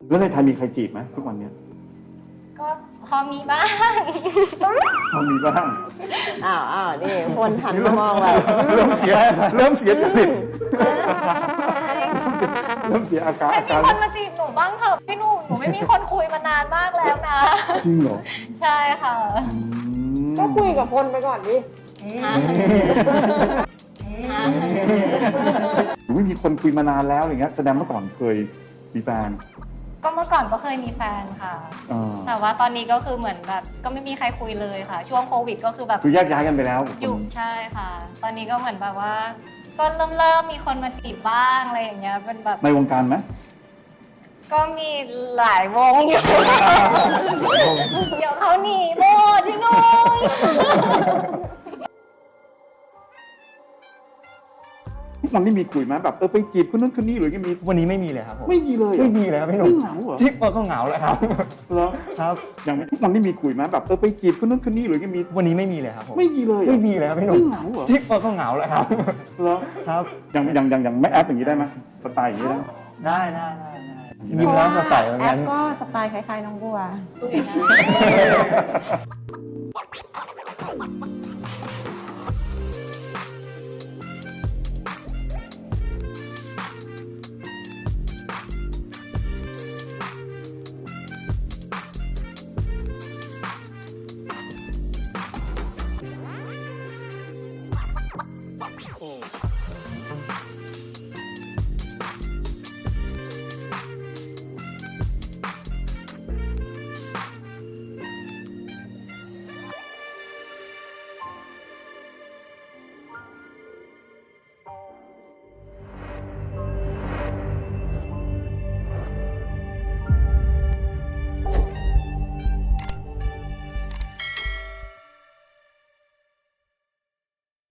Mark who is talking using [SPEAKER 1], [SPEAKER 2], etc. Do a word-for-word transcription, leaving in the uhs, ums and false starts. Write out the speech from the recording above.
[SPEAKER 1] แล้วในไทยมีใครจีบไหมทุกวันเนี้ย
[SPEAKER 2] ก็พอมีบ้าง
[SPEAKER 1] พอมีบ้าง
[SPEAKER 3] อ้าวอ้าวนี่คนหันมามองแบบ
[SPEAKER 1] เริ่มเสียเริ่มเสียจริตเริ่มเสียอาการ
[SPEAKER 2] ให้
[SPEAKER 1] อา
[SPEAKER 2] มี
[SPEAKER 1] การ
[SPEAKER 2] คนมาจีบหนูบ้างเถอะพี่หนุ่มหนูไม่มีคนคุยมานานมากแล้วนะ
[SPEAKER 1] จริงเหรอ
[SPEAKER 2] ใช่ค่ะ
[SPEAKER 1] อืม
[SPEAKER 3] ก็คุยกับคนไปก่อนดิ
[SPEAKER 1] หรือไม่มีคนคุยมานานแล้วอย่างเงี้ยแสดงเมื่อก่อนเคยมีแฟน
[SPEAKER 2] ก็เมื่อก่อนก็เคยมีแฟนค่ะ
[SPEAKER 1] อ่า
[SPEAKER 2] แต่ว่าตอนนี้ก็คือเหมือนแบบก็ไม่มีใครคุยเลยค่ะ ช่วงโควิดก็คือแบบ
[SPEAKER 1] คือแยกย้ายกันไปแล้ว
[SPEAKER 2] อยู่ใช่ค่ะ ตอนนี้ก็เหมือนแบบว่า ก็เริ่มเริ่มมีคนมาจีบบ้างอะไรอย่างเงี้ยเป็นแบบ
[SPEAKER 1] ในวงการไหม
[SPEAKER 2] ก็มีหลายวงอยู่ เดี๋ยวเขาหนีหมดพี่นุ่ม
[SPEAKER 1] ทุกวันนี้มีคุยไหมแบบเออไปจีบคนนู้นคนนี้หรือยังมี
[SPEAKER 4] วันนี้ไม่มีเลยครับผม
[SPEAKER 1] ไม่มีเลยเหรอ
[SPEAKER 4] ไม่มีเลยครับพี่หนุ่ม
[SPEAKER 1] ไม่เหงาเหรอ
[SPEAKER 4] ที่ก็เหงาแหละครับ
[SPEAKER 1] เหรอ
[SPEAKER 4] ครับ
[SPEAKER 1] อย่างทุกวันนี้มีคุยไหมแบบเออไปจีบคนนู้นคนนี้หรือยังมี
[SPEAKER 4] วันนี้ไม่มีเลยครับผม
[SPEAKER 1] ไม่มีเลยเหรอ
[SPEAKER 4] ไม่มีเลยครับพี่หนุ่ม
[SPEAKER 1] ไม่เหงาเหรอ
[SPEAKER 4] ที่ก็เหงาแหละครับ
[SPEAKER 1] เหรอ
[SPEAKER 4] ครับ
[SPEAKER 1] อย่างอย่างอย่างอย่างไม่แอปอย่างนี้ได้ไหมสไตล์อย่างนี้ได้ไหม
[SPEAKER 4] ได้ได้ได้ได้ยิ้มแล้วสดใสเหมือน
[SPEAKER 3] แอ
[SPEAKER 4] กั
[SPEAKER 3] ป
[SPEAKER 4] น
[SPEAKER 3] ก็สไตล์คล้ายๆน้องบัว
[SPEAKER 2] ดูอย่างนั้น